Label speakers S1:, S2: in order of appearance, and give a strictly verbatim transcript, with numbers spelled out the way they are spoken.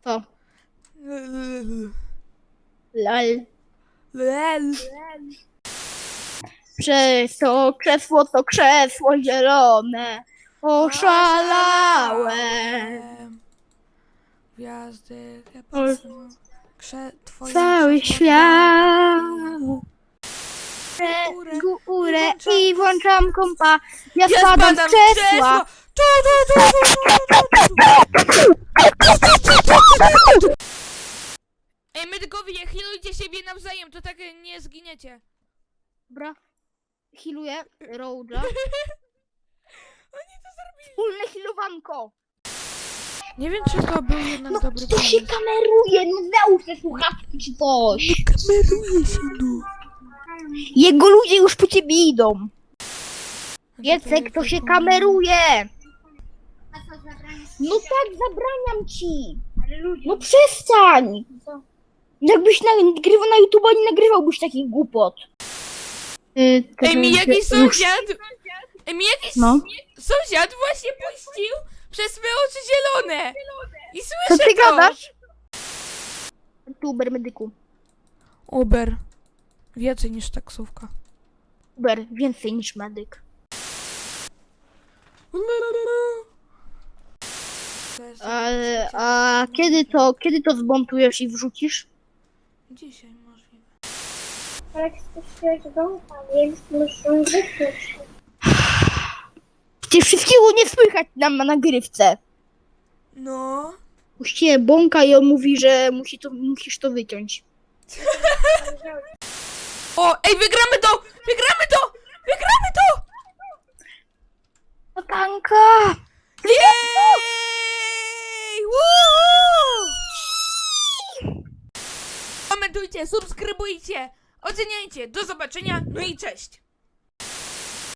S1: Co? Lal.
S2: Lel.
S1: Przez to krzesło, to krzesło zielone. Oszalałem.
S2: Gwiazdy
S1: O,
S2: Krze... Twoje
S1: Cały
S2: krzesło
S1: świat.
S2: górę
S1: Górę
S2: i
S1: i włączam kompa. Ja
S2: Ja
S1: spadam z
S2: spadam z
S1: krzesła.
S2: Tu, tu, tu, tu, tu, tu. Ej, medykowie, healujcie siebie nawzajem, to tak nie zginiecie.
S1: Dobra. Healuję Road'a.
S2: Oni to zrobili.
S1: Wspólne healowanko.
S2: Nie wiem, czy to był jednak
S1: No
S2: dobry
S1: to się
S2: pomysł.
S1: kameruje, no załóż te słuchawki czy coś.
S2: Kameruje się, no.
S1: Jego ludzie już po ciebie idą.
S2: No
S1: Jacek, to się kameruje. No tak, zabraniam ci. No przestań. Jakbyś nagrywał na YouTube, nie nagrywałbyś takich głupot.
S2: Ej, mi jakiś sąsiad... Ej, mi jakiś
S1: No.
S2: sąsiad właśnie puścił przez swe oczy zielone. I
S1: Co
S2: słyszę
S1: ty
S2: to.
S1: gadasz? Uber medyku.
S2: Uber. Więcej niż taksówka.
S1: Uber więcej niż medyk. A, a kiedy to, kiedy to zmontujesz i wrzucisz?
S2: Dzisiaj możliwe.
S3: Ale chcesz bąka, więc muszę wyключить.
S1: Przecież wszystkiego nie słychać nam na nagrywce.
S2: No.
S1: Puściłem bąka i on mówi, że musi to, musisz to wyciąć.
S2: O, ej, wygramy to! Wygramy to! Wygramy to!
S1: Tanka!
S2: Jej! Woo! Komentujcie, subskrybujcie, oceniajcie. Do zobaczenia, no i cześć!